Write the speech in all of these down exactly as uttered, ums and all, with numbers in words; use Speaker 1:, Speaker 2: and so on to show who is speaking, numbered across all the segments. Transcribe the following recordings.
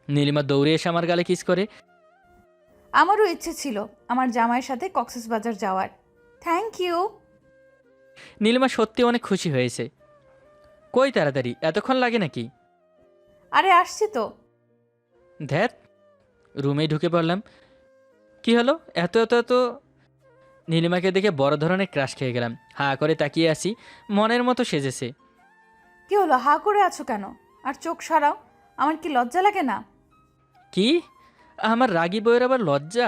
Speaker 1: নীলিমা দৌড়ে এসে আমার গালে কিস করে।
Speaker 2: আমারও ইচ্ছে ছিল আমার জামাইয়ের সাথে কক্সবাজার যাওয়ার। Thank you.
Speaker 1: নীলিমা সত্যি অনেক খুশি হয়েছে। কই তাড়াতাড়ি, এতক্ষণ লাগে নাকি?
Speaker 2: আরে আসছি তো।
Speaker 1: ধ্যাত, রুমেই ঢুকে পড়লাম। কি হলো এত এত এত? নীলিমাকে দেখে বড় ধরনের ক্রাশ খেয়ে গেলাম। হা করে তাকিয়ে আসি, মনের মতো সেজেছে।
Speaker 2: কি হলো, হা করে আছো কেন? আর চোখ সরাও। আমার কি লজ্জা লাগে না?
Speaker 1: কি? আমার রাগী বইয়ের আবার লজ্জা?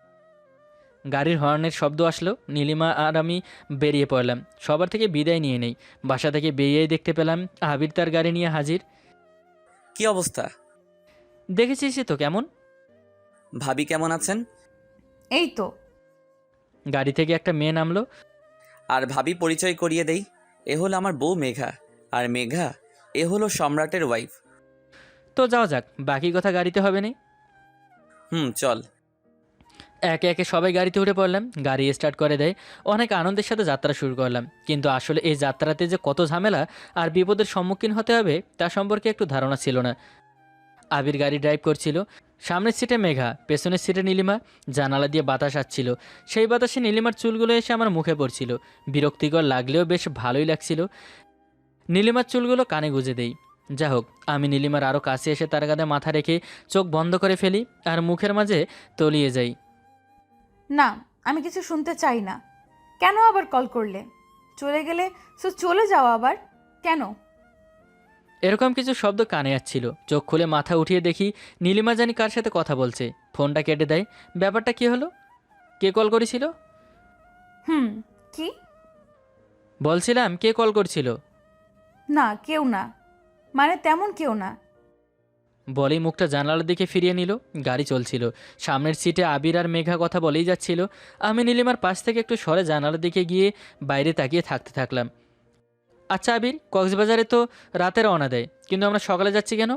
Speaker 1: গাড়ির হর্নের শব্দ আসলো। নীলিমা আর আমি বেরিয়ে পড়লাম। সবার থেকে বিদায় নিয়ে নেই। বাসা থেকে বেরিয়েই দেখতে পেলাম আবির তার গাড়ি নিয়ে হাজির।
Speaker 3: কি অবস্থা?
Speaker 1: দেখেছিস তো কেমন?
Speaker 3: ভাবি কেমন আছেন?
Speaker 2: এই তো।
Speaker 1: গাড়ি থেকে একটা মেয়ে নামলো।
Speaker 3: আর ভাবি পরিচয় করিয়ে দেই, এ হলো আমার বউ মেঘা। আর মেঘা, এ হলো সম্রাটের ওয়াইফ।
Speaker 1: তো যাও যাক, বাকি কথা গাড়িতে হবে না।
Speaker 3: হুম, চল।
Speaker 1: একে একে সবাই গাড়িতে উঠে পড়লাম। গাড়ি স্টার্ট করে দেয়। অনেক আনন্দের সাথে যাত্রা শুরু করলাম। কিন্তু আসলে এই যাত্রাতে যে কত ঝামেলা আর বিপদের সম্মুখীন হতে হবে তা সম্পর্কে একটু ধারণা ছিল না। আবির গাড়ি ড্রাইভ করছিল। সামনের সিটে মেঘা, পেছনের সিটে নীলিমা। জানালা দিয়ে বাতাস আসছিল। সেই বাতাসে নীলিমার চুলগুলো এসে আমার মুখে পড়ছিল। বিরক্তিকর লাগলেও বেশ ভালোই লাগছিল। নীলিমার চুলগুলো কানে গুঁজে দেই। যা হোক, আমি নীলিমার আরও কাছে এসে তার কাঁধে মাথা রেখে চোখ বন্ধ করে ফেলি আর মুখের মাঝে তলিয়ে যাই।
Speaker 2: না, আমি কিছু শুনতে চাই না। কেন আবার কল করলে? চলে গেলে সো চলে যাও আবার। কেন?
Speaker 1: এরকম কিছু শব্দ কানে আসছিল। চোখ খুলে মাথা উঠিয়ে দেখি নীলিমা জানি কার সাথে কথা বলছে। ফোনটা কেটে দেয়। ব্যাপারটা কি হলো? কে কল করেছিল?
Speaker 2: হুম। কি?
Speaker 1: বলছিলাম কে কল করছিল?
Speaker 2: না, কেউ না। মানে তেমন কেউ না।
Speaker 1: বলেই মুখটা জানালার দিকে ফিরিয়ে নিল। গাড়ি চলছিল। সামনের সিটে আবির আর মেঘা কথা বলেই যাচ্ছিল। আমি নীলিমার পাশ থেকে একটু সরে জানালার দিকে গিয়ে বাইরে তাকিয়ে থাকতে থাকলাম। আচ্ছা আবির, কক্সবাজারে তো রাতে রওনা দেয়, কিন্তু আমরা সকালে যাচ্ছি কেন?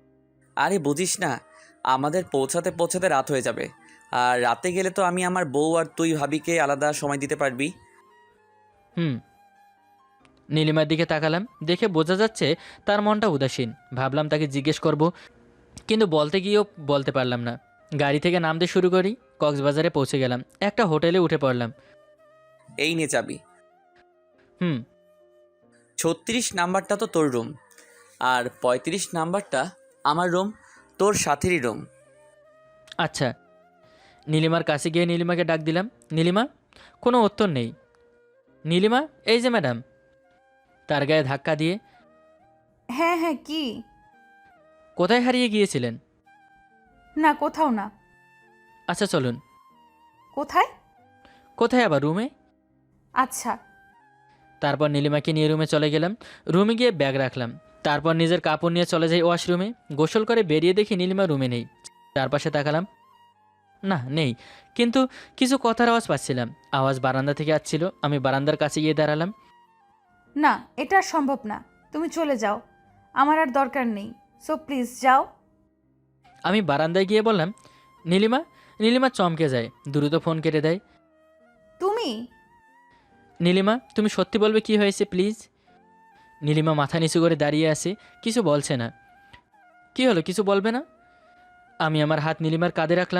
Speaker 3: আরে বুঝিস না, আমাদের পৌঁছাতে পৌঁছাতে রাত হয়ে যাবে। আর রাতে গেলে তো আমি আমার বউ আর তুই ভাবিকে আলাদা সময় দিতে পারবি।
Speaker 1: হুম। নীলিমার দিকে তাকালাম। দেখে বোঝা যাচ্ছে তার মনটা উদাসীন। ভাবলাম তাকে জিজ্ঞেস করব, কিন্তু বলতে গিয়েও বলতে পারলাম না। গাড়ি থেকে নামতে শুরু করি। কক্সবাজারে পৌঁছে গেলাম। একটা হোটেলে উঠে পড়লাম।
Speaker 3: এই নে চাবি।
Speaker 1: হুম।
Speaker 3: ছত্রিশ নাম্বারটা তো তোর রুম, আর পঁয়ত্রিশ নাম্বারটা আমার রুম, তোর সাথেরই রুম।
Speaker 1: আচ্ছা। নীলিমার কাছে গিয়ে নীলিমাকে ডাক দিলাম। নীলিমা। কোনো উত্তর নেই। নীলিমা, এই যে ম্যাডাম। তার গায়ে ধাক্কা দিয়ে।
Speaker 2: হ্যাঁ হ্যাঁ, কি?
Speaker 1: কোথায় হারিয়ে গিয়েছিলেন?
Speaker 2: না, কোথাও না।
Speaker 1: আচ্ছা চলুন।
Speaker 2: কোথায়?
Speaker 1: কোথায় আবার? রুমে।
Speaker 2: আচ্ছা।
Speaker 1: তারপর নীলিমাকে নিয়ে রুমে চলে গেলাম। রুমে গিয়ে ব্যাগ রাখলাম। তারপর নিজের কাপড় নিয়ে চলে যাই ওয়াশরুমে। গোসল করে বেরিয়ে দেখি নীলিমা রুমে নেই। চারপাশে তাকালাম। না, নেই। কিন্তু কিছু কথার আওয়াজ পাচ্ছিলাম। আওয়াজ বারান্দা থেকে আসছিল। আমি বারান্দার কাছে গিয়ে দাঁড়ালাম।
Speaker 2: না, এটা আর সম্ভব না। তুমি চলে যাও। আমার আর দরকার নেই। সো প্লিজ যাও।
Speaker 1: আমি বারান্দায় গিয়ে বললাম, নীলিমা। নীলিমা চমকে যায়, দ্রুত ফোন কেটে দেয়।
Speaker 2: তুমি?
Speaker 1: নীলিমা, তুমি সত্যি বলবে কি হয়েছে প্লিজ? নীলিমা মাথা নিচু করে দাঁড়িয়ে আছে, কিছু বলছে না। কি হলো, কিছু বলবে না? আমি আমার হাত নীলিমার কাঁধে রাখলাম।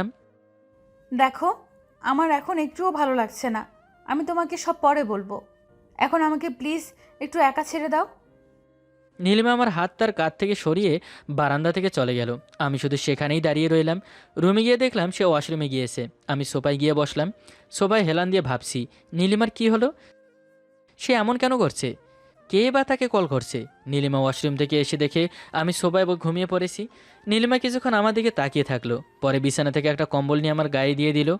Speaker 2: দেখো, আমার এখন একটুও ভালো লাগছে না। আমি তোমাকে সব পরে বলবো। এখন আমাকে প্লিজ একটু একা ছেড়ে দাও।
Speaker 1: নীলিমা আমার হাত তার কাঁধ থেকে সরিয়ে বারান্দা থেকে চলে গেল। আমি শুধু সেখানেই দাঁড়িয়ে রইলাম। রুমে গিয়ে দেখলাম সে ওয়াশরুমে গিয়েছে। আমি সোফায় গিয়ে বসলাম। সোফায় হেলান দিয়ে ভাবছি, নীলিমার কি হলো? সে এমন কেন করছে? কে বা তাকে কল করছে? নীলিমা ওয়াশরুম থেকে এসে দেখে আমি সোফায় ঘুমিয়ে পড়েছি। নীলিমা কিছুক্ষণ আমার দিকে তাকিয়ে থাকলো। পরে বিছানা থেকে একটা কম্বল নিয়ে আমার গায়ে দিয়ে দিল।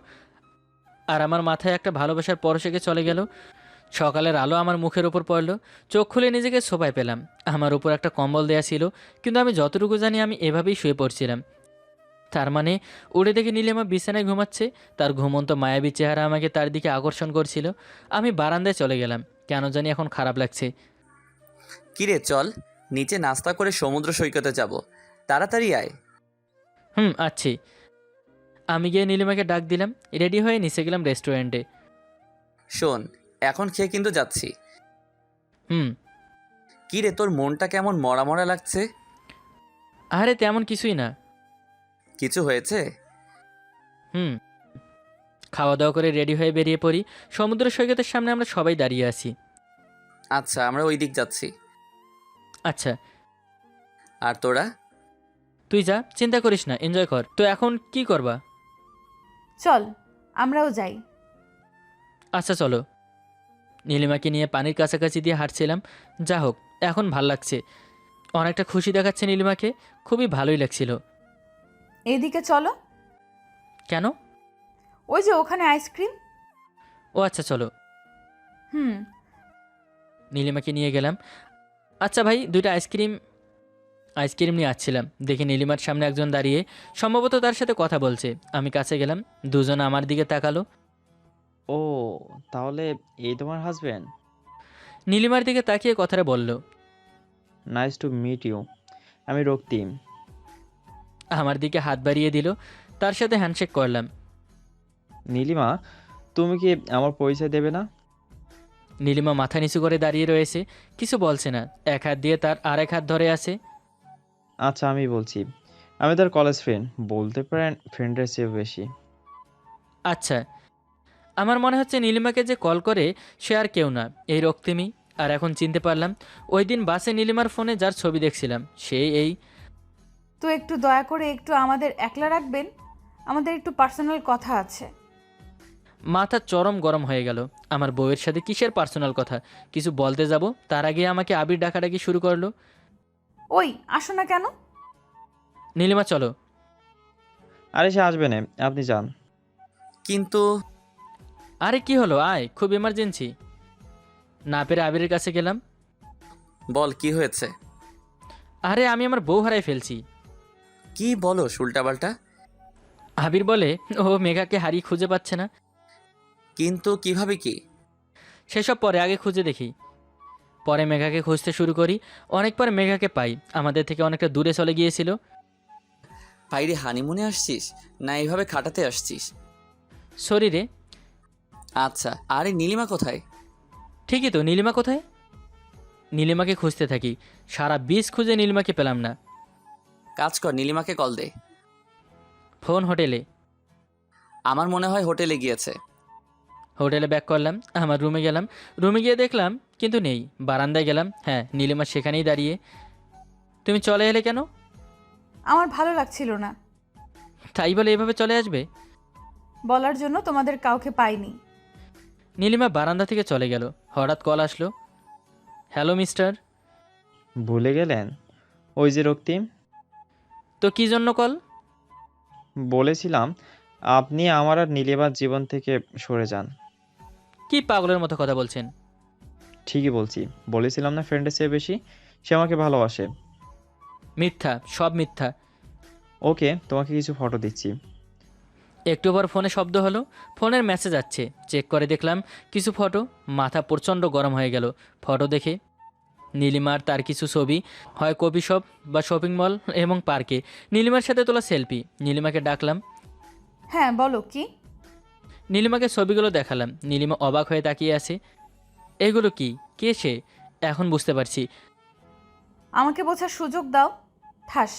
Speaker 1: আর আমার মাথায় একটা ভালোবাসার পরশেকে চলে গেল। সকালের আলো আমার মুখের ওপর পড়ল। চোখ খুলে নিজেকে সোফায় পেলাম। আমার উপর একটা কম্বল দেয়া ছিল, কিন্তু আমি যতটুকু জানি আমি এভাবেই শুয়ে পড়ছিলাম। তার মানে উড়ে দেখে নীলিমা বিছানায় ঘুমাচ্ছে। তার ঘুমন্ত মায়াবী চেহারা আমাকে তার দিকে আকর্ষণ করছিল। আমি বারান্দায় চলে গেলাম। কেন জানি এখন খারাপ লাগছে।
Speaker 3: কিরে চল, নিচে নাস্তা করে সমুদ্র সৈকতে যাব। তাড়াতাড়ি আয়।
Speaker 1: হুম, আচ্ছি। আমি গিয়ে নীলিমাকে ডাক দিলাম। রেডি হয়ে নিচে গেলাম রেস্টুরেন্টে।
Speaker 3: শোন, এখন খেয়ে কিন্তু যাচ্ছি।
Speaker 1: হুম।
Speaker 3: কিরে তোর মনটা কেমন মরা মরা লাগছে?
Speaker 1: আরে তেমন কিছুই না।
Speaker 3: কিছু হয়েছে?
Speaker 1: হুম। খাওয়া দাওয়া করে রেডি হয়ে বেরিয়ে পড়ি। সমুদ্র সৈকতের সামনে আমরা সবাই দাঁড়িয়ে আছি।
Speaker 3: আচ্ছা, আমরা ওই দিক যাচ্ছি।
Speaker 1: আচ্ছা,
Speaker 3: আর তোরা?
Speaker 1: তুই যা, চিন্তা করিস না, এনজয় কর। তো এখন কি করবা?
Speaker 2: চল আমরাও যাই।
Speaker 1: আচ্ছা চলো। নীলিমাকে নিয়ে পানির কাছাকাছি দিয়ে হাঁটছিলাম। যা হোক, এখন ভাল লাগছে। অনেকটা খুশি দেখাচ্ছে নীলিমাকে। খুবই ভালোই লাগছিল।
Speaker 2: এইদিকে চলো।
Speaker 1: কেন?
Speaker 2: ওই যে ওখানে আইসক্রিম।
Speaker 1: ও আচ্ছা চলো।
Speaker 2: হুম।
Speaker 1: নীলিমাকে নিয়ে গেলাম। আচ্ছা ভাই, দুইটা আইসক্রিম। আইসক্রিম নিয়ে আসছিলাম, দেখি নীলিমার সামনে একজন দাঁড়িয়ে, সম্ভবত তার সাথে কথা বলছে। আমি কাছে গেলাম, দুজন আমার দিকে তাকালো।
Speaker 4: ও, তাহলে এই তোমার হাজবেন্ড?
Speaker 1: নীলিমার দিকে তাকিয়ে কথাটা বলল।
Speaker 4: Nice to meet you. আমি রক্তিম।
Speaker 1: আমার দিকে হাত বাড়িয়ে দিল। তার সাথে হ্যান্ডশেক করলাম।
Speaker 4: নীলিমা, তুমি কি আমার পরিচয় দেবে না?
Speaker 1: নীলিমা মাথা নিচু করে দাঁড়িয়ে রয়েছে, কিছু বলছে না। এক হাত দিয়ে তার আরেক হাত ধরে আছে।
Speaker 4: আচ্ছা, আমি বলছি। আমি তার কলেজ ফ্রেন্ড, বলতে পারেন ফ্রেন্ডের চেয়ে বেশি।
Speaker 1: আচ্ছা। আমার মনে হচ্ছে নীলিমাকে যে কল করে সে আর কেউ না, এই রক্তিমই। আর এখন চিনতে পারলাম, ওই দিন বাসে নীলিমার ফোনে যার ছবি দেখছিলাম সে এই।
Speaker 2: তো একটু দয়া করে একটু আমাদের একলা রাখবেন, আমাদের একটু পার্সোনাল কথা আছে।
Speaker 1: মাথা চরম গরম হয়ে গেল। আমার বউয়ের সাথে কিসের পার্সোনাল কথা? কিছু বলতে যাব তার আগে আমাকে আবির ডাকাডাকি শুরু করলো।
Speaker 2: ওই আসো না কেন?
Speaker 1: নীলিমা চলো।
Speaker 4: আরে সে আসবে না, আপনি যান।
Speaker 3: কিন্তু
Speaker 1: আরে কি হলো, আয়, খুব এমার্জেন্সি। না পেরে আবিরের কাছে গেলাম।
Speaker 3: বল, কি হয়েছে?
Speaker 1: আরে আমি আমার বউ হারাই ফেলছি।
Speaker 3: কি বলো উল্টাপাল্টা?
Speaker 1: আবির বলে ও মেঘাকে হারিয়ে খুঁজে পাচ্ছে না।
Speaker 3: কিন্তু কিভাবে কি?
Speaker 1: সেসব পরে, আগে খুঁজে দেখি। পরে মেঘাকে খুঁজতে শুরু করি। অনেক পরে মেঘাকে পাই, আমাদের থেকে অনেকটা দূরে চলে গিয়েছিল।
Speaker 3: বাইরে হানিমুনে আসছিস না এইভাবে খাটাতে আসছিস?
Speaker 1: শরীরে।
Speaker 3: আচ্ছা, আরে নীলিমা কোথায়?
Speaker 1: ঠিকই তো, নীলিমা কোথায়? নীলিমাকে খুঁজতে থাকি, সারা বিচ খুঁজে নীলিমাকে পেলাম না।
Speaker 3: কাজ কর, নীলিমাকে কল দে।
Speaker 1: ফোন হোটেলে।
Speaker 3: আমার মনে হয় হোটেলে গিয়েছে।
Speaker 1: হোটেলে ব্যাক করলাম, আমার রুমে গেলাম। রুমে গিয়ে দেখলাম কিন্তু নেই। বারান্দায় গেলাম, হ্যাঁ নীলিমা সেখানেই দাঁড়িয়ে। তুমি চলে এলে কেন?
Speaker 2: আমার ভালো লাগছিল না।
Speaker 1: তাই বলে এভাবে চলে আসবে?
Speaker 2: বলার জন্য তোমাদের কাউকে পাইনি।
Speaker 1: নীলিমা বারান্দা থেকে চলে গেল। হঠাৎ কল আসলো। Hello mister.
Speaker 4: ভুলে গেলেন? ওই যে রক্তিম।
Speaker 1: তো কি জন্য কল?
Speaker 4: বলেছিলাম আপনি আমার আর নীলিমার জীবন থেকে সরে যান।
Speaker 1: কি পাগলের মতো কথা বলছেন?
Speaker 4: ঠিকই বলছি, বলেছিলাম না ফ্রেন্ডের চেয়ে বেশি? সে আমাকে ভালোবাসে।
Speaker 1: মিথ্যা, সব মিথ্যা।
Speaker 4: ওকে, তোমাকে কিছু ফটো দিচ্ছি।
Speaker 1: একটু পর ফোনে শব্দ হলো। ফোনের মেসেজ আসছে, চেক করে দেখলাম কিছু ফটো। মাথা প্রচণ্ড গরম হয়ে গেল ফটো দেখে। নীলিমার তার কিছু ছবি, হয় কফি শপ বা শপিং মল এবং পার্কে নীলিমার সাথে তোলা সেলফি। নীলিমাকে ডাকলাম।
Speaker 2: হ্যাঁ বলো কি?
Speaker 1: নীলিমাকে ছবিগুলো দেখালাম। নীলিমা অবাক হয়ে তাকিয়ে আছে। এগুলো কি? কে সে? এখন বুঝতে পারছি।
Speaker 2: আমাকে বোঝার সুযোগ দাও। ঠাস।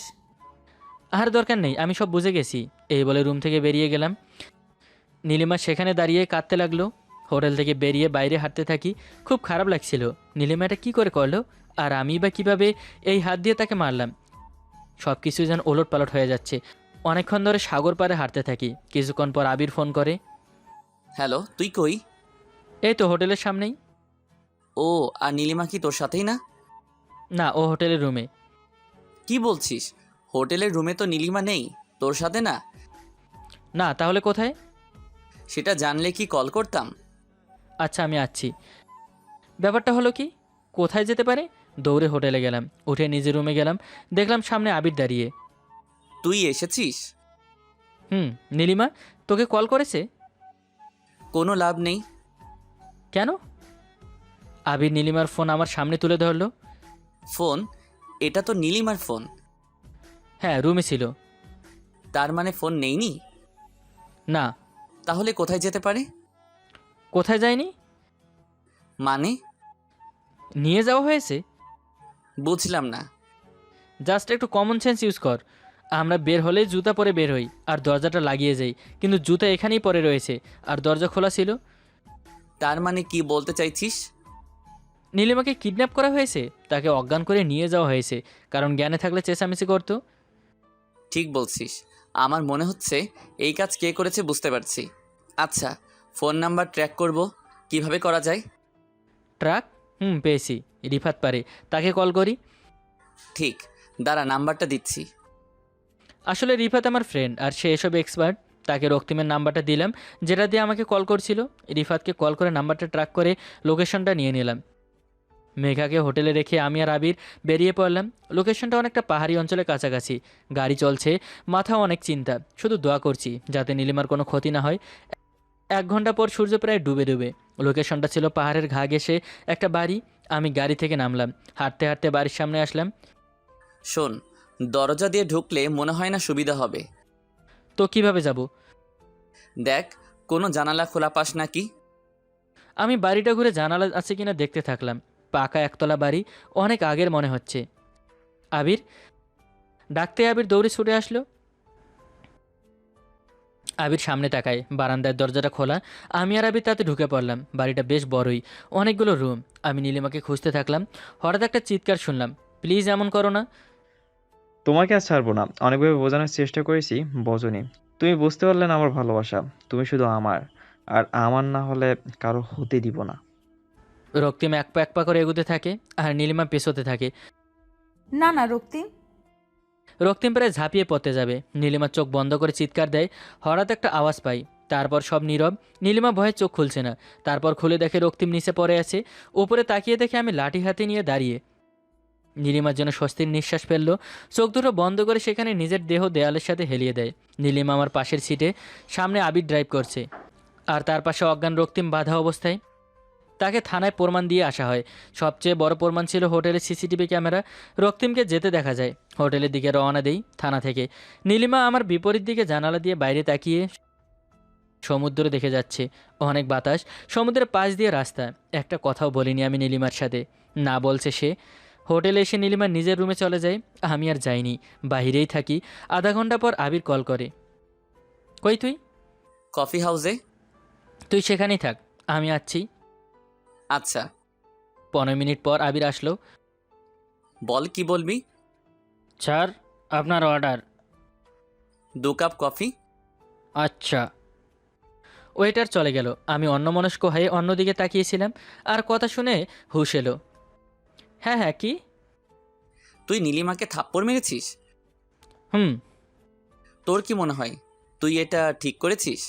Speaker 1: আর দরকার নেই, আমি সব বুঝে গেছি। এই বলে রুম থেকে বেরিয়ে গেলাম। নীলিমা সেখানে দাঁড়িয়ে কাঁদতে লাগলো। হোটেল থেকে বেরিয়ে বাইরে হাঁটতে থাকি। খুব খারাপ লাগছিল। নীলিমা এটা কী করে করলো? আর আমি বা কিভাবে এই হাত দিয়ে তাকে মারলাম? সব কিছু যেন ওলট পালট হয়ে যাচ্ছে। অনেকক্ষণ ধরে সাগর পাড়ে হাঁটতে থাকি। কিছুক্ষণ পর আবির ফোন করে।
Speaker 3: হ্যালো, তুই কই?
Speaker 1: এই তো হোটেলের সামনেই।
Speaker 3: ও, আর নীলিমা কি তোর সাথেই না?
Speaker 1: না, ও হোটেলের রুমে।
Speaker 3: কি বলছিস? হোটেলের রুমে তো নীলিমা নেই, তোর সাথে না?
Speaker 1: না, তাহলে কোথায়?
Speaker 3: সেটা জানলে কি কল করতাম?
Speaker 1: আচ্ছা আমি আসছি। ব্যাপারটা হলো কি, কোথায় যেতে পারে? দৌড়ে হোটেলে গেলাম। উঠে নিজের রুমে গেলাম। দেখলাম সামনে আবির দাঁড়িয়ে।
Speaker 3: তুই এসেছিস?
Speaker 1: হুম। নীলিমা তোকে কল করেছে?
Speaker 3: কোনো লাভ নেই।
Speaker 1: কেন? আবির নীলিমার ফোন আমার সামনে তুলে ধরলো।
Speaker 3: ফোন? এটা তো নীলিমার ফোন।
Speaker 1: হ্যাঁ, রুমে ছিল।
Speaker 3: তার মানে ফোন নেইনি?
Speaker 1: না।
Speaker 3: তাহলে কোথায় যেতে পারে?
Speaker 1: কোথায় যায়নি?
Speaker 3: মানে?
Speaker 1: নিয়ে যাওয়া হয়েছে।
Speaker 3: বুঝলাম না।
Speaker 1: জাস্ট একটু কমন সেন্স ইউজ কর। আমরা বের হলে জুতা পরে বের হই আর দরজাটা লাগিয়ে যাই, কিন্তু জুতা এখানেই পরে রয়েছে আর দরজা খোলা ছিল।
Speaker 3: তার মানে কি বলতে চাইছিস?
Speaker 1: নীলিমাকে কিডন্যাপ করা হয়েছে, তাকে অজ্ঞান করে নিয়ে যাওয়া হয়েছে, কারণ জ্ঞানে থাকলে চেঁচামেচি করতো।
Speaker 3: ঠিক বলছিস। আমার মনে হচ্ছে এই কাজ কে করেছে বুঝতে পারছি। আচ্ছা, ফোন নাম্বার ট্র্যাক করব, কিভাবে করা যায়?
Speaker 1: ট্রাক? হুম, পেয়েছি। রিফাত পারে, তাকে কল করি।
Speaker 3: ঠিক, দাঁড়া নাম্বারটা দিচ্ছি।
Speaker 1: আসলে রিফাত আমার ফ্রেন্ড আর সে এসব এক্সপার্ট। তাকে রক্তিমের নাম্বারটা দিলাম, যেটা দিয়ে আমাকে কল করছিল। রিফাতকে কল করে নাম্বারটা ট্র্যাক করে লোকেশনটা নিয়ে নিলাম। মেঘাকে হোটেলে রেখে আমি আর আবির বেরিয়ে পড়লাম। লোকেশনটা অনেকটা পাহাড়ি অঞ্চলের কাছাকাছি। গাড়ি চলছে, মাথা অনেক চিন্তা, শুধু দোয়া করছি যাতে নীলিমার কোনো ক্ষতি না হয়। এক ঘন্টা পর সূর্য প্রায় ডুবে ডুবে। লোকেশনটা ছিল পাহাড়ের ঘা ঘেঁষে একটা বাড়ি। আমি গাড়ি থেকে নামলাম, হাঁটতে হাঁটতে বাড়ির সামনে আসলাম।
Speaker 3: শোন, দরজা দিয়ে ঢুকলে মনে হয় না সুবিধা হবে।
Speaker 1: তো কিভাবে যাব?
Speaker 3: দেখ, কোনো জানালা খোলা পাস নাকি?
Speaker 1: আমি বাড়িটা ঘুরে জানালা আছে কিনা দেখতে থাকলাম। পাকা একতলা বাড়ি, অনেক আগের মনে হচ্ছে। আবির ডাকতে আবির দৌড়ে ছুটে আসলো। আবির সামনে তাকায়, বারান্দার দরজাটা খোলা। আমি আর আবির তাতে ঢুকে পড়লাম। বাড়িটা বেশ বড়ই, অনেকগুলো রুম। আমি নীলিমাকে খুঁজতে থাকলাম। হঠাৎ একটা চিৎকার শুনলাম, প্লিজ এমন করো না।
Speaker 4: তোমাকে আর ছাড়বো না। অনেকভাবে বোঝানোর চেষ্টা করেছি, বোঝোনি। তুমি বুঝতে পারলে না আমার ভালোবাসা। তুমি শুধু আমার, আর আমার না হলে কারো হতে দিব না।
Speaker 1: রক্তিম এক পা এক পা করে এগুতে থাকে আর নীলিমা পেছোতে থাকে।
Speaker 2: না না রক্তিম।
Speaker 1: রক্তিম প্রায় ঝাঁপিয়ে পড়তে যাবে, নীলিমা চোখ বন্ধ করে চিৎকার দেয়। হঠাৎ একটা আওয়াজ পাই, তারপর সব নীরব। নীলিমা ভয়ে চোখ খুলছে না। তারপর খুলে দেখে রক্তিম নিচে পড়ে আছে। উপরে তাকিয়ে দেখে আমি লাঠি হাতে নিয়ে দাঁড়িয়ে। নীলিমার জন্য স্বস্তির নিঃশ্বাস ফেললো। চোখ দুটো বন্ধ করে সেখানে নিজের দেহ দেয়ালের সাথে হেলিয়ে দেয়। নীলিমা আমার পাশের সিটে, সামনে আবির ড্রাইভ করছে আর তার পাশে অজ্ঞান রক্তিম বাধা অবস্থায়। তাকে থানায় প্রমাণ দিয়ে আসা হয়। সবচেয়ে বড় প্রমাণ ছিল হোটেলের সিসিটিভি ক্যামেরা। রক্তিমকে যেতে দেখা যায়। হোটেলের দিকে রওনা দেই থানা থেকে। নীলিমা আমার বিপরীত দিকে জানালা দিয়ে বাইরে তাকিয়ে সমুদ্র দেখে যাচ্ছে। অনেক বাতাস, সমুদ্রের পাশ দিয়ে রাস্তা। একটা কথাও বলিনি আমি নীলিমার সাথে, না বলছে সে। হোটেলে এসে নীলিমা নিজের রুমে চলে যায়। আমি আর যাইনি, বাহিরেই থাকি। আধা ঘন্টা পর আবির কল করে, কই তুই?
Speaker 3: কফি হাউসে।
Speaker 1: তুই সেখানেই থাক, আমি আসছি।
Speaker 3: আচ্ছা।
Speaker 1: পনেরো মিনিট পর আবির আসলো।
Speaker 3: বল, কি বলবি?
Speaker 1: স্যার, আপনার অর্ডার।
Speaker 3: দু কাপ কফি।
Speaker 1: আচ্ছা। ওয়েটার চলে গেল। আমি অন্যমনস্ক হয়ে অন্যদিকে তাকিয়েছিলাম আর কথা শুনে হুশ এলো। হ্যাঁ হ্যাঁ, কি?
Speaker 3: তুই নীলিমাকে থাপ্পড় মেরেছিস?
Speaker 1: হুম।
Speaker 3: তোর কি মনে হয় তুই এটা ঠিক করেছিস?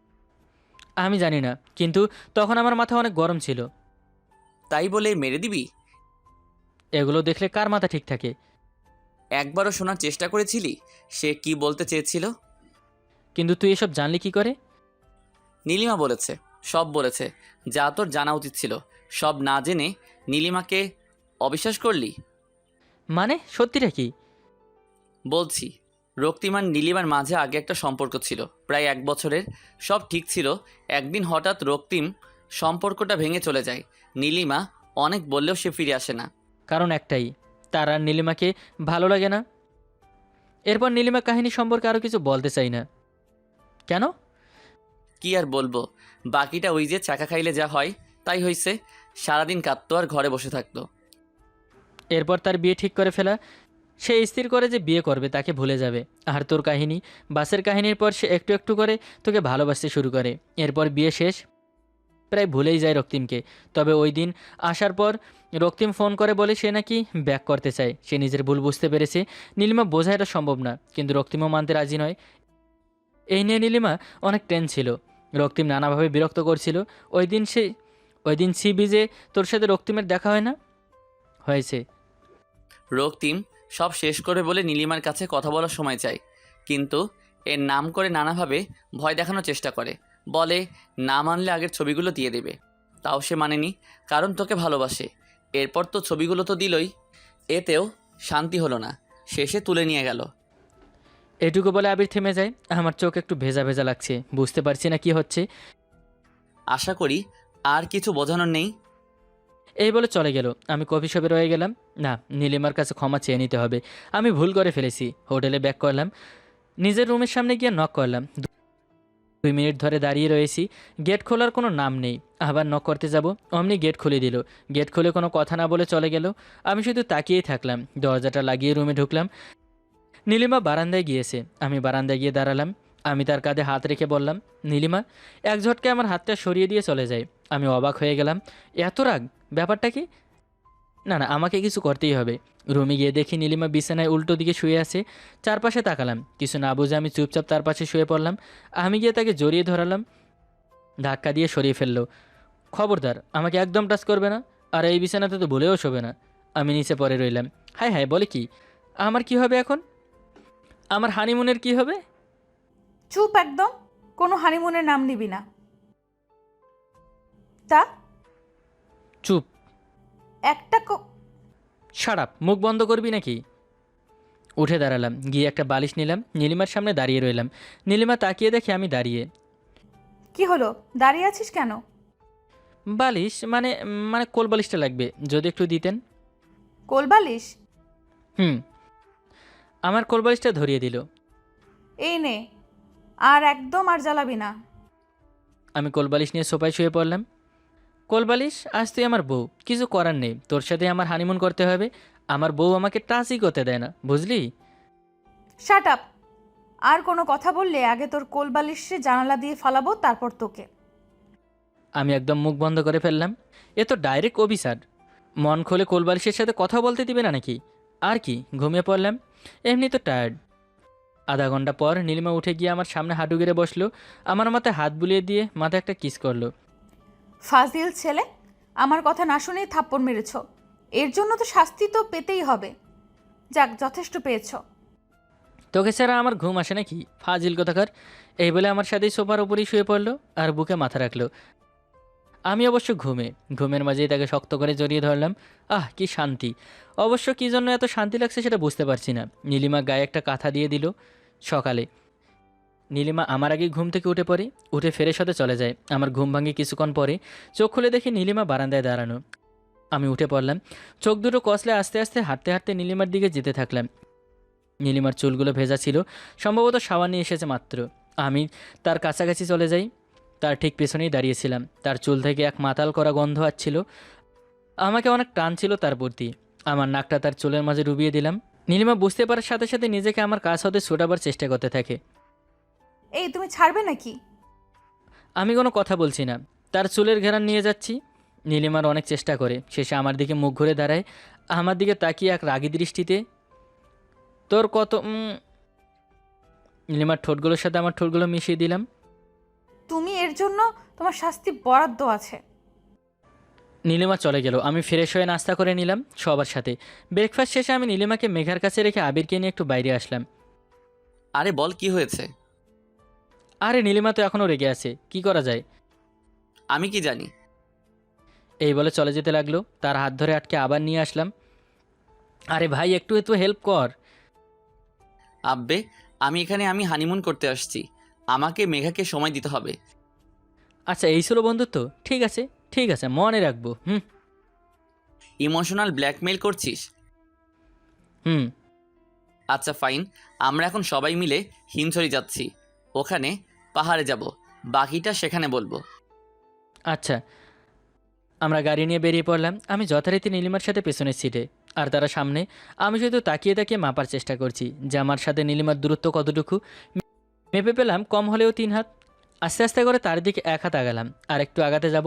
Speaker 1: আমি জানি না, কিন্তু তখন আমার মাথা অনেক গরম ছিল।
Speaker 3: তাই বলে মেরে দিবি?
Speaker 1: এগুলো দেখলে কার মাথা ঠিক থাকে?
Speaker 3: একবারও শোনার চেষ্টা করেছিলি সে কি বলতে চেয়েছিল?
Speaker 1: কিন্তু তুই এসব জানলি কি করে?
Speaker 3: নীলিমা বলেছে, সব বলেছে, যা তোর জানা উচিত ছিল। সব না জেনে নীলিমাকে অবিশ্বাস করলি?
Speaker 1: মানে সত্যিটা কি?
Speaker 3: বলছি, রক্তিম আর নীলিমার মাঝে আগে একটা সম্পর্ক ছিল, প্রায় এক বছরের। সব ঠিক ছিল। একদিন হঠাৎ রক্তিম সম্পর্কটা ভেঙে চলে যায়। নীলিমা অনেক বললেও সে ফিরে আসে না।
Speaker 1: কারণ একটাই, তার আর নীলিমাকে ভালো লাগে না। এরপর নীলিমা কাহিনী সম্পর্কে আরও কিছু বলতে চাই না। কেন?
Speaker 3: কি আর বলবো, বাকিটা ওই যে চাকা খাইলে যা হয় তাই হয়েছে। সারাদিন কাঁদতো আর ঘরে বসে থাকতো।
Speaker 1: এরপর তার বিয়ে ঠিক করে ফেলা। সে স্থির করে যে বিয়ে করবে, তাকে ভুলে যাবে। আর তোর কাহিনী, বাসের কাহিনীর পর সে একটু একটু করে তোকে ভালোবাসতে শুরু করে। এরপর বিয়ে শেষ, প্রায় ভুলেই যায় রক্তিমকে। তবে ওই দিন আসার পর রক্তিম ফোন করে বলে সে নাকি ব্যাক করতে চায়। সে নিজের ভুল বুঝতে পেরেছে। নীলিমা বোঝা এটা সম্ভব না, কিন্তু রক্তিমও মানতে রাজি নয়। এই নিয়ে নীলিমা অনেক টেন ছিল। রক্তিম নানাভাবে বিরক্ত করছিল। ওই দিন সে ওই দিন সি বিজে তোর সাথে রক্তিমের দেখা হয় না? হয়েছে।
Speaker 3: রক্তিম সব শেষ করে বলে নীলিমার কাছে কথা বলার সময় চায়, কিন্তু এর নাম করে নানাভাবে ভয় দেখানোর চেষ্টা করে। বলে না মানলে আগের ছবিগুলো দিয়ে দেবে। তাও সে মানেনি, কারণ তোকে ভালোবাসে। এরপর তো ছবিগুলো তো দিলই, এতেও শান্তি হলো না, শেষে তুলে নিয়ে গেল।
Speaker 1: এটুকু বলে আবির থেমে যায়। আমার চোখ একটু ভেজা ভেজা লাগছে, বুঝতে পারছি না কি হচ্ছে।
Speaker 3: আশা করি আর কিছু বোঝানোর নেই।
Speaker 1: এই বলে চলে গেল। আমি কফি শপে রয়ে গেলাম। না, নীলিমার কাছে ক্ষমা চেয়ে নিতে হবে। আমি ভুল করে ফেলেছি। হোটেলে ব্যাক করলাম, নিজের রুমের সামনে গিয়ে নক করলাম। দুই মিনিট ধরে দাঁড়িয়ে রয়েছি, গেট খোলার কোনো নাম নেই। আবার নক করতে যাব, অমনি গেট খুলে দিল। গেট খুলে কোনো কথা না বলে চলে গেল। আমি শুধু তাকিয়েই থাকলাম। দরজাটা লাগিয়ে রুমে ঢুকলাম। নীলিমা বারান্দায় গিয়েছে। আমি বারান্দায় গিয়ে দাঁড়ালাম। আমি তার কাঁধে হাত রেখে বললাম, নীলিমা। এক ঝটকে আমার হাতটা সরিয়ে দিয়ে চলে যায়। আমি অবাক হয়ে গেলাম। এত রাগ? ব্যাপারটা কি? না না, আমাকে কিছু করতেই হবে। রুমে গিয়ে দেখি নীলিমা বিছানায় উল্টো দিকে শুয়ে আছে। চারপাশে তাকালাম, কিছু না বুঝে আমি চুপচাপ তার পাশে শুয়ে পড়লাম। আমি গিয়ে তাকে জড়িয়ে ধরালাম, ধাক্কা দিয়ে সরিয়ে ফেললো। খবরদার, আমাকে একদম টাচ করবে না, আর এই বিছানাতে তো ভুলেও শোবে না। আমি নিচে পড়ে রইলাম। হাই হাই, বলে কি? আমার কি হবে এখন? আমার হানিমুনের কি হবে?
Speaker 2: চুপ একদম, কোনো হানিমুনের নাম নিবি না। তা
Speaker 1: চুপ।
Speaker 2: একটা ক-
Speaker 1: শাট আপ, মুখ বন্ধ করবি নাকি? উঠে দাঁড়ালাম, গিয়ে একটা বালিশ নিলাম, নীলিমার সামনে দাঁড়িয়ে রইলাম। নীলিমা তাকিয়ে দেখে আমি দাঁড়িয়ে।
Speaker 2: কি হলো, দাঁড়িয়ে আছিস কেন?
Speaker 1: বালিশ মানে মানে কোল বালিশটা লাগবে, যদি একটু দিতেন।
Speaker 2: কোলবালিশ?
Speaker 1: হুম। আমার কোল বালিশটা ধরিয়ে দিল।
Speaker 2: এই নে, আর একদম আর জ্বালাবি না।
Speaker 1: আমি কোলবালিশ নিয়ে সোফায় শুয়ে পড়লাম। কোলবালিশ, আজ তুই আমার বউ, কিছু করার নেই, তোর সাথে আমার হানিমুন করতে হবে। আমার বউ আমাকে টাচই করতে দেয় না, বুঝলি?
Speaker 2: Shut up! আর কোনো কথা বললে আগে তোর কোলবালিশে জানালা দিয়ে ফালাবো, তারপর তোকে।
Speaker 1: আমি একদম মুখ বন্ধ করে ফেললাম। এ তো ডাইরেক্ট অভিসার। মন খুলে কোলবালিশের সাথে কথা বলতে দিবে না নাকি? আর কি, ঘুমিয়ে পড়লাম, এমনি তো টায়ার্ড। আধা ঘন্টা পর নীলিমা উঠে গিয়ে আমার সামনে হাঁটু গেড়ে বসলো। আমার মাথায় হাত বুলিয়ে দিয়ে মাথায় একটা কিস করলো।
Speaker 2: ফাজিল ছেলে, আমার কথা না শুনেই থাপ্পড় মেরেছ। এর জন্য তো শাস্তি তো পেতেই হবে। যাক, যথেষ্ট পেয়েছ।
Speaker 1: তোকে ছাড়া আমার ঘুম আসে নাকি, ফাজিল কথাকার? এই বলে আমার সাথেই সোফার উপরেই শুয়ে পড়লো আর বুকে মাথা রাখলো। আমি অবশ্য ঘুমে ঘুমের মাঝেই তাকে শক্ত করে জড়িয়ে ধরলাম। আহ, কি শান্তি! অবশ্য কী জন্য এত শান্তি লাগছে সেটা বুঝতে পারছি না। নীলিমা গায়ে একটা কাঁথা দিয়ে দিল। সকালে নীলিমা আমার আগেই ঘুম থেকে উঠে পড়ে, উঠে ফ্রেশ হতে চলে যায়। আমার ঘুম ভাঙে কিছুক্ষণ পরে। চোখ খুলে দেখি নীলিমা বারান্দায় দাঁড়ানো। আমি উঠে পড়লাম, চোখ দুটো কষলে আস্তে আস্তে হাঁটতে হাঁটতে নীলিমার দিকে যেতে থাকলাম। নীলিমার চুলগুলো ভেজা ছিল, সম্ভবত সাবান নিয়ে এসেছে মাত্র। আমি তার কাছাকাছি চলে যাই। তার ঠিক পেছনেই দাঁড়িয়েছিলাম। তার চুল থেকে এক মাতাল করা গন্ধ আসছিল। আমাকে অনেক টান ছিল তার প্রতি। আমার নাকটা তার চুলের মাঝে ডুবিয়ে দিলাম। নীলিমা বুঝতে পারার সাথে সাথে নিজেকে আমার কাছ হতে ছোটাবার চেষ্টা করতে থাকে।
Speaker 2: এই, তুমি ছাড়বে নাকি?
Speaker 1: আমি কোনো কথা বলছি না, তার চুলের ঘেরান নিয়ে যাচ্ছি। নীলিমার অনেক চেষ্টা করে, শেষে আমার দিকে মুখ ঘুরে দাঁড়ায়। আমার দিকে তাকিয়ে এক রাগী দৃষ্টিতে। তোর কত উম, নীলিমার ঠোঁটগুলোর সাথে আমার ঠোঁটগুলো মিশিয়ে দিলাম।
Speaker 2: তুমি এর জন্য তোমার শাস্তি বরাদ্দ আছে।
Speaker 1: নীলিমা চলে গেল। আমি ফ্রেশ হয়ে নাস্তা করে নিলাম সবার সাথে। ব্রেকফাস্ট শেষে আমি নীলিমাকে মেঘার কাছে রেখে আবিরকে নিয়ে একটু বাইরে আসলাম।
Speaker 3: আরে বল, কি হয়েছে?
Speaker 1: আরে নীলিমা তো এখনও রেগে আছে, কি করা যায়?
Speaker 3: আমি কি জানি?
Speaker 1: এই বলে চলে যেতে লাগলো। তার হাত ধরে আটকে আবার নিয়ে আসলাম। আরে ভাই, একটু একটু হেল্প কর।
Speaker 3: আব্বে, আমি এখানে আমি হানিমুন করতে আসছি। আমাকে মেঘাকে সময় দিতে হবে।
Speaker 1: আচ্ছা, এই ছিল বন্ধুত্ব? ঠিক আছে ঠিক আছে, মনে রাখবো। হুম
Speaker 3: ইমোশনাল ব্ল্যাকমেইল করছিস?
Speaker 1: হুম
Speaker 3: আচ্ছা ফাইন, আমরা এখন সবাই মিলে হিমছড়ি যাচ্ছি। ওখানে পাহাড়ে যাব, বাকিটা সেখানে বলবো।
Speaker 1: আচ্ছা। আমরা গাড়ি নিয়ে বেরিয়ে পড়লাম। আমি যথারীতি নীলিমার সাথে পেছনের সিটে, আর তারা সামনে। আমি শুধু তাকিয়ে তাকিয়ে মাপার চেষ্টা করছি যে আমার সাথে নীলিমার দূরত্ব কতটুকু। মেপে পেলাম কম হলেও তিন হাত। আস্তে আস্তে করে তার দিকে এক হাত আগালাম, আর একটু আগাতে যাব।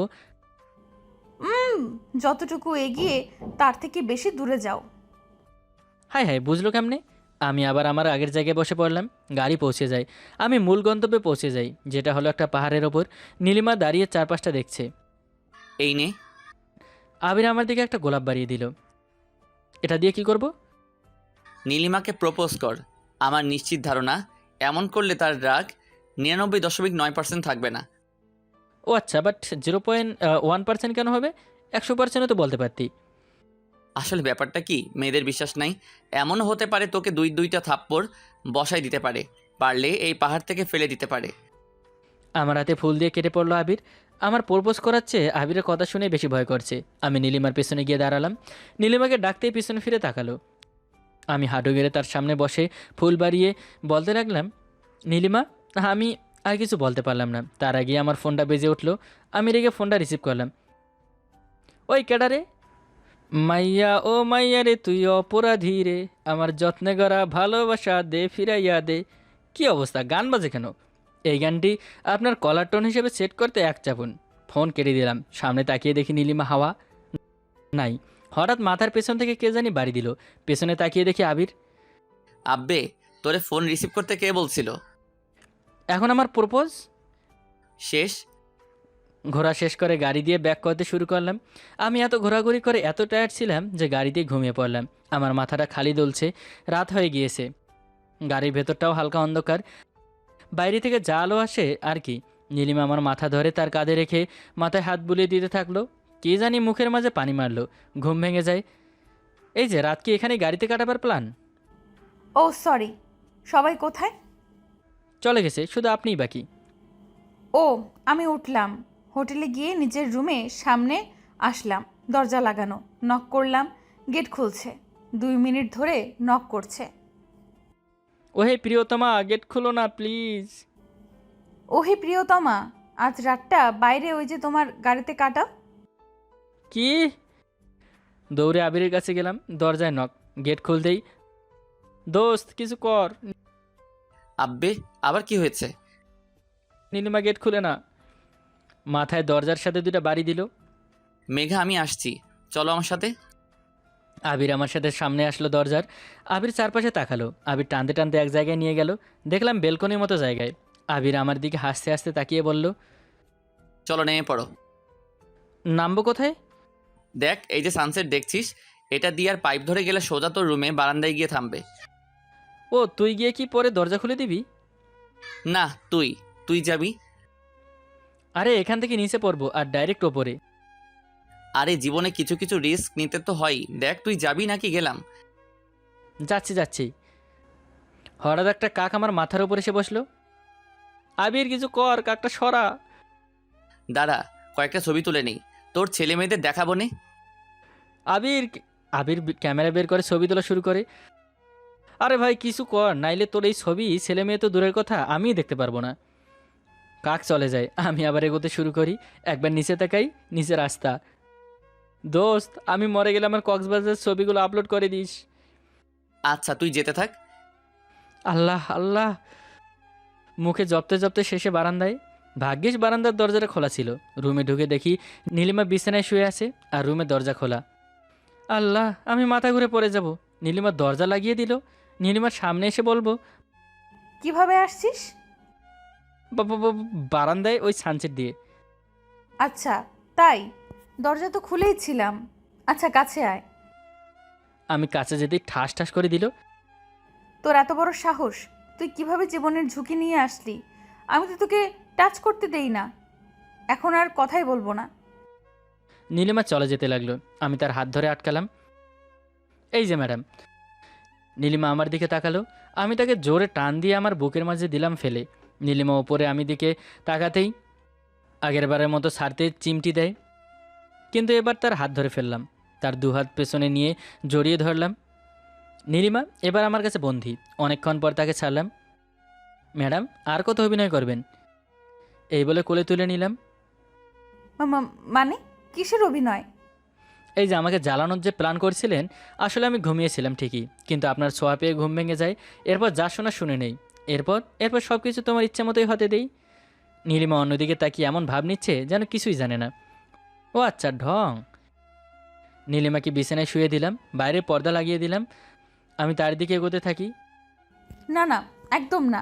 Speaker 2: হুম, যতটুকু এগিয়ে তার থেকে বেশি দূরে যাও।
Speaker 1: হাই হাই, বুঝলো কেমনে? আমি আবার আমার আগের জায়গায় বসে পড়লাম। গাড়ি পৌঁছে যায়। আমি মূল গন্তব্যে পৌঁছে যাই, যেটা হলো একটা পাহাড়ের ওপর। নীলিমা দাঁড়িয়ে চারপাশটা দেখছে।
Speaker 3: এই নে।
Speaker 1: আবির আমার দিকে একটা গোলাপ বাড়িয়ে দিল। এটা দিয়ে কি করব?
Speaker 3: নীলিমাকে প্রপোজ কর। আমার নিশ্চিত ধারণা এমন করলে তার রাগ নিরানব্বই দশমিক নয় পার্সেন্ট থাকবে না।
Speaker 1: ও আচ্ছা, but zero point one percent কেন হবে? একশো পার্সেন্টও তো বলতে পারতি।
Speaker 3: আসলে ব্যাপারটা কি, মেয়েদের বিশ্বাস নাই। এমনও হতে পারে তোকে দুই দুইটা থাপ্পড় বসাই দিতে পারে, পারলে এই পাহাড় থেকে ফেলে দিতে পারে।
Speaker 1: আমার হাতে ফুল দিয়ে কেটে পড়লো আবির। আমার প্রপোজ করাচ্ছে আবিরের কথা শুনে বেশি ভয় করছে। আমি নীলিমার পেছনে গিয়ে দাঁড়ালাম। নীলিমাকে ডাকতেই পিছনে ফিরে তাকালো। আমি হাঁটু গেড়ে তার সামনে বসে ফুল বাড়িয়ে বলতে লাগলাম, নীলিমা। আমি আর কিছু বলতে পারলাম না, তার আগে আমার ফোনটা বেজে উঠলো। আমি রেগে ফোনটা রিসিভ করলাম। ওই কেডা রে? মাইয়া ও মাইয়া রে তুই অপরাধী রে, আমার যত্নে গড়া ভালোবাসা দে ফিরাইয়া দে। কি অবস্থা, গান বাজে কেন? এই গানটি আপনার কলার টোন হিসেবে সেট করতে এক চাপুন। ফোন কেটে দিলাম। সামনে তাকিয়ে দেখি নীলিমা হাওয়া নাই। হঠাৎ মাথার পেছন থেকে কে জানি বাড়ি দিল। পেছনে তাকিয়ে দেখি আবির।
Speaker 3: আব্বে, তোরে ফোন রিসিভ করতে কে বলছিল?
Speaker 1: এখন আমার প্রপোজ।
Speaker 3: শেষ?
Speaker 1: ঘোরা শেষ করে গাড়ি দিয়ে ব্যাক করতে শুরু করলাম। আমি এত ঘোরাঘুরি করে এত টায়ার্ড ছিলাম যে গাড়িতেই ঘুমিয়ে পড়লাম। আমার মাথাটা খালি দুলছে। রাত হয়ে গিয়েছে। গাড়ির ভেতরটাও হালকা অন্ধকার। বাইরে থেকে যা আলো আসে আর কি। নীলিমা আমার মাথা ধরে তার কাঁধে রেখে মাথায় হাত বুলিয়ে দিতে থাকলো। কে জানি মুখের মাঝে পানি মারলো। ঘুম ভেঙে যায়। এই যে রাত কি এখানে গাড়িতে কাটাবার প্ল্যান?
Speaker 2: ও সরি, সবাই কোথায়?
Speaker 1: চলে গেছে, শুধু আপনিই বাকি।
Speaker 2: ও, আমি উঠলাম। হোটেলে গিয়ে নিজের রুমে সামনে আসলাম। দরজা লাগানো, নক করলাম। গেট খুলছে। দুই মিনিট ধরে নক করছে।
Speaker 1: ওহে প্রিয়তমা, গেট খুলো না প্লিজ।
Speaker 2: ওহে প্রিয়তমা, আজ রাতটা বাইরে ওই যে তোমার গাড়িতে কাটাও।
Speaker 1: কি? দৌড়ে আবিরের কাছে গেলাম। দরজায় নক। গেট খুলতেই, দোস্ত কিছু কর।
Speaker 3: আব্বে, আবার কি হয়েছে?
Speaker 1: নীলিমা গেট খুলে না। মাথায় দরজার সাথে দুটা বাড়ি দিল।
Speaker 3: মেঘা, আমি আসছি, চলো আমার সাথে।
Speaker 1: আবির আমার সাথে সামনে আসলো দরজার। আবির চারপাশে তাকালো। আবির টানতে টানতে এক জায়গায় নিয়ে গেল। দেখলাম বেলকনির মতো জায়গায়। আবির আমার দিকে হাসতে হাসতে তাকিয়ে বলল,
Speaker 3: চলো নেমে পড়ো।
Speaker 1: নামবো কোথায়?
Speaker 3: দেখ, এই যে সানসেট দেখছিস, এটা দিয়ে আর পাইপ ধরে গেলে সোজা তোর রুমে বারান্দায় গিয়ে থামবে।
Speaker 1: ও, তুই গিয়ে কি পরে দরজা খুলে দিবি?
Speaker 3: না, তুই তুই যাবি।
Speaker 1: আরে এখান থেকে নিচে পড়বো আর ডাইরেক্ট ওপরে।
Speaker 3: আরে জীবনে কিছু কিছু রিস্ক নিতে তো হয়ই। দেখ, তুই যাবি নাকি গেলাম?
Speaker 1: যাচ্ছি যাচ্ছি। হঠাৎ একটা কাক আমার মাথার উপর এসে বসলো। আবির কিছু কর, কাকটা সরা।
Speaker 3: দাঁড়া, কয়েকটা ছবি তুলে নেই, তোর ছেলে মেয়েদের দেখাবো নে।
Speaker 1: আবির আবির ক্যামেরা বের করে ছবি তোলা শুরু করে। আরে ভাই কিছু কর, নাইলে তোর এই ছবি ছেলে মেয়ে তো দূরের কথা আমিই দেখতে পারবো না। কাক চলে যায়। আমি আবার এগোতে শুরু করি। একবার নিচে তাকাই, নিচে রাস্তা। দোস্ত, আমি মরে গেলে আমার কক্সবাজারের ছবিগুলো আপলোড করে দিস।
Speaker 3: আচ্ছা, তুই যেতে থাক।
Speaker 1: আল্লাহ আল্লাহ। মুখে জপতে জপতে শেষে বারান্দায়। ভাগ্যিস বারান্দার দরজাটা খোলা ছিল। রুমে ঢুকে দেখি নীলিমা বিছানায় শুয়ে আছে আর রুমের দরজা খোলা। আল্লাহ, আমি মাথা ঘুরে পড়ে যাব। নীলিমার দরজা লাগিয়ে দিল। নীলিমার সামনে এসে বলবো,
Speaker 2: কিভাবে আসছিস?
Speaker 1: বা- বা- বা- বারান্দায় ওই সানসেট দিয়ে।
Speaker 2: আচ্ছা তাই, দরজা তো খুলেই ছিলাম। আচ্ছা কাছে আয়।
Speaker 1: আমি কাছে যেতেই ঠাস ঠাস করে দিল।
Speaker 2: তোর এত বড় সাহস, তুই কিভাবে জীবনের ঝুঁকি নিয়ে আসলি? আমি তো তোকে টাচ করতে দেই না। এখন আর কথাই বলবো না।
Speaker 1: নীলিমা চলে যেতে লাগলো। আমি তার হাত ধরে আটকালাম। এই যে ম্যাডাম। নীলিমা আমার দিকে তাকালো। আমি তাকে জোরে টান দিয়ে আমার বুকের মাঝে দিলাম ফেলে। নীলিমা ওপরে আমি দিকে তাকাতেই আগের বারের মতো ছাড়তে চিমটি দেয়। কিন্তু এবার তার হাত ধরে ফেললাম। তার দু হাত পেছনে নিয়ে জড়িয়ে ধরলাম। নীলিমা এবার আমার কাছে বন্দী। অনেকক্ষণ পর তাকে ছাড়লাম। ম্যাডাম, আর কত অভিনয় করবেন? এই বলে কোলে তুলে নিলাম।
Speaker 2: মা- মা- মানে কিসের অভিনয়?
Speaker 1: এই যে আমাকে জ্বালানোর যে প্ল্যান করছিলেন, আসলে আমি ঘুমিয়েছিলাম ঠিকই, কিন্তু আপনার ছোঁয়া পেয়ে ঘুম ভেঙে যায়। এরপর যা শোনা শুনে নেই। এরপর এরপর সব কিছু তোমার ইচ্ছা মতোই হতে দেই। নীলিমা অন্যদিকে তাকিয়ে এমন ভাব নিচ্ছে যেন কিছুই জানে না। ও আচ্ছা, ঢং। নীলিমাকে বিছানায় শুয়ে দিলাম। বাইরে পর্দা লাগিয়ে দিলাম। আমি তার দিকে এগোতে থাকি।
Speaker 2: না না, একদম না।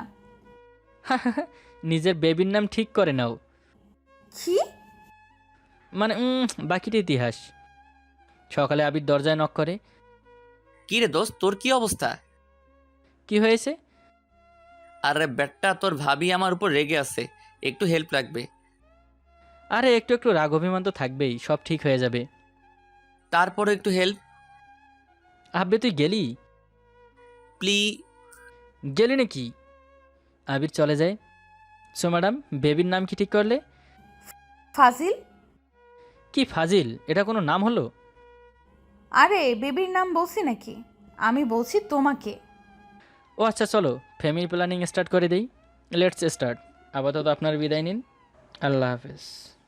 Speaker 1: নিজের বেবির নাম ঠিক করে নাও।
Speaker 2: কি?
Speaker 1: মানে উম, বাকিটা ইতিহাস। সকালে আবির দরজায় নক করে।
Speaker 3: কি রে দোস্ত, তোর কি অবস্থা?
Speaker 1: কি হয়েছে?
Speaker 3: আরে ব্যাটটা, তোর ভাবি আমার উপর রেগে আছে, একটু হেল্প লাগবে।
Speaker 1: আরে একটু একটু রাগ অভিমান তো থাকবেই, সব ঠিক হয়ে যাবে।
Speaker 3: তারপরে একটু হেল্প
Speaker 1: আব্বে তুই গেলি?
Speaker 3: প্লি।
Speaker 1: গেলি নাকি? আবির চলে যায়। সো ম্যাডাম, বেবির নাম কি ঠিক করলে?
Speaker 2: ফাজিল।
Speaker 1: কি ফাজিল? এটা কোনো নাম হলো?
Speaker 2: আরে বেবির নাম বলছি নাকি? আমি বলছি তোমাকে।
Speaker 1: ও আচ্ছা, চলো ফ্যামিলি প্ল্যানিং স্টার্ট করে দেই। Let's start. আপাতত আপনার বিদায় নিন। আল্লাহ হাফেজ।